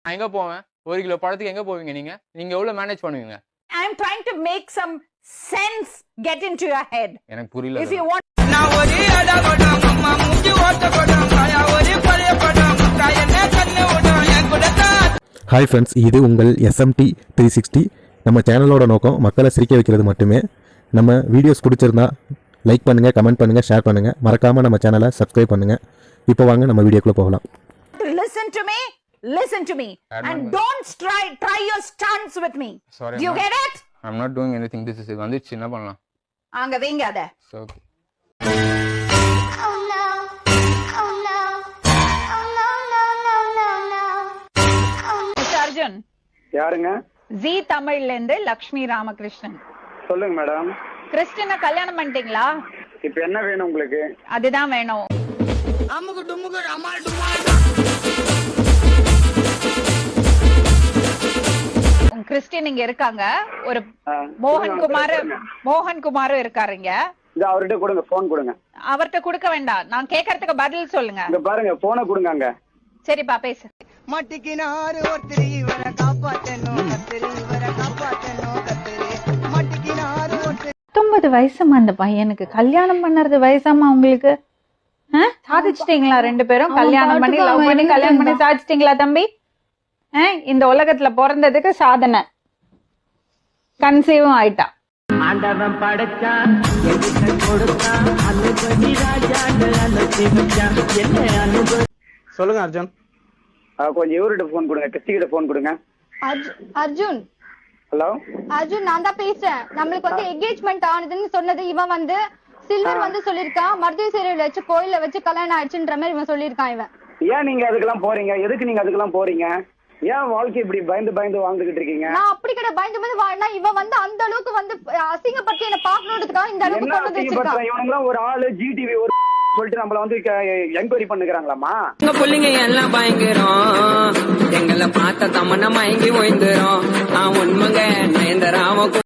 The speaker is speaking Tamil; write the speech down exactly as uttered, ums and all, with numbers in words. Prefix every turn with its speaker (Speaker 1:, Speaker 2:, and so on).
Speaker 1: நான் எங்க போவேன்? ஒரு கிலோ பழத்துக்கு எங்க போவீங்க நீங்க? நீங்க எவ்வளவு மேனேஜ் பண்ணுவீங்க?
Speaker 2: I am trying to make some sense get into your head.
Speaker 1: எனக்கு புரியல.
Speaker 2: If you want
Speaker 3: நான் ஒரு அடகடம் அம்மா மூஞ்சி ஓட்டப்படும் காயா ஒரு பழையப்படும் காயனே கண்ணு ஓடும் என் கூடதா.
Speaker 4: ஹாய் ஃப்ரெண்ட்ஸ், இது உங்கள் எஸ்எம்டி த்ரீ சிக்ஸ்டி. நம்ம சேனலோட நோக்கம் மக்களை சிரிக்க வைக்கிறது மட்டுமே. நம்ம வீடியோஸ் பிடிச்சிருந்தா லைக் பண்ணுங்கள், கமெண்ட் பண்ணுங்கள், ஷேர் பண்ணுங்கள். மறக்காமல் நம்ம சேனலை சப்ஸ்கிரைப் பண்ணுங்கள். இப்போ வாங்க நம்ம வீடியோக்குள்ளே போகலாம்.
Speaker 2: to listen to me, listen to me. And don't try try your stunts with me.
Speaker 1: Sorry,
Speaker 2: Do you
Speaker 1: I'm
Speaker 2: get it?
Speaker 1: I'm not doing anything. This is வந்துச்சு, என்ன பண்ணலாம்?
Speaker 2: அங்க வைங்க அத.
Speaker 1: So okay.
Speaker 5: Oh no, oh no, oh no, no, no, no, no.
Speaker 2: Mister Arjun,
Speaker 6: யாருங்க?
Speaker 2: ஜி தமிழ்ல இருந்து லக்ஷ்மி ராமகிருஷ்ணன்.
Speaker 6: சொல்லுங்க மேடம்.
Speaker 2: கிறிஸ்டினை கல்யாணம் பண்ணிட்டீங்களா?
Speaker 6: இப்ப என்ன வேணும் உங்களுக்கு?
Speaker 2: அதுதான் வேணும்.
Speaker 3: அம்முக்கு டும்முக்கு அமால் டுமால்.
Speaker 2: உங்க கிறிஸ்டின் இங்க இருக்காங்க. ஒரு
Speaker 6: ஆ,
Speaker 2: மோகன்
Speaker 6: கொடுங்க,
Speaker 2: குமார்
Speaker 6: கொடுங்க.
Speaker 2: மோகன் குமாரும் இருக்காருங்க.
Speaker 6: இந்த அவர்கிட்ட கொடுங்க, போன் கொடுங்க.
Speaker 2: அவர்கிட்ட கொடுக்க வேண்டாம், நான் கேட்கறதுக்கு பதில் சொல்லுங்க.
Speaker 6: இங்க பாருங்க, போனை கொடுங்க அங்க.
Speaker 2: சரிப்பா, பேசு.
Speaker 3: மட்டிக்கினாரு ஒருத்தரி இவரை காப்பாத்தணும் கத்திரி இவரை காப்பாத்தணும் கத்திரி மட்டிக்கினாரு ஒருத்தரி.
Speaker 7: பத்தொன்பது வயசுமா அந்த பையனுக்கு, கல்யாணம் பண்ணறது வயசாமா உங்களுக்கு? ஆ? சாதிச்சிட்டீங்களா ரெண்டு பேரும்? கல்யாணம் பண்ணி லவ் பண்ணி கல்யாணம் பண்ணி சாதிச்சிட்டீங்களா தம்பி? ஆ? இந்த உலகத்துல பிறந்ததுக்கு சாதனை. கன்சீவும் ஆயிட்டா.
Speaker 8: ஆண்டவன் படைச்சா எதுக்கு கொடுத்தா அனுபவி ராஜா அனுபவிச்சா என்ன அனுபவி.
Speaker 6: சொல்லுங்க அர்ஜுன். ஆ, கொஞ்சம் இவர்கிட்ட போன் கொடுங்க, கிறிஸ்டி கிட்ட போன் கொடுங்க.
Speaker 9: அர்ஜுன்,
Speaker 6: ஹலோ
Speaker 9: அர்ஜுன் நான் தான் பேசுறேன். நம்மளுக்கு வந்து என்கேஜ்மெண்ட் ஆனதுன்னு சொன்னது இவன் வந்து சில்வர் வந்து சொல்லிருக்கான். மருதேவி சேரியில வச்சு கோயில வச்சு கல்யாணம் ஆயிடுச்சுன்ற மாதிரி இவன் சொல்லிருக்கான். இவன்
Speaker 6: ஏன் நீங்க அதுக்கெல்லாம் போறீங்க? எதுக்கு நீங்க அதுக்கெல்லாம் போறீங்க? ஏன் வாழ்க்கை இப்படி பயந்து பயந்து வாழ்ந்துகிட்டு இருக்கீங்க?
Speaker 9: நான் அப்படி கிட்ட பயந்து பயந்து வாழ்னா இவன் வந்து அந்த அளவுக்கு வந்து அசிங்கப்பட்டு என்ன பாக்கணுன்றதுக்காக இந்த அளவுக்கு
Speaker 6: என்ன
Speaker 9: கொண்டு வந்து வச்சிருக்கான்.
Speaker 6: அசிங்கப்படுத்துறேன்? இவனுங்களாம் ஒரு ஆளு ஜிடிவி ஒரு சொல்லிட்டு நம்மள வந்து என்கொயரி பண்ணுகிறாங்களாமா?
Speaker 3: எங்க பிள்ளைங்க எல்லாம் பயங்கரம் எங்களை பார்த்த தமன மயங்கி ஓய்ந்துரும். நான் உண்மைங்க நயந்தராம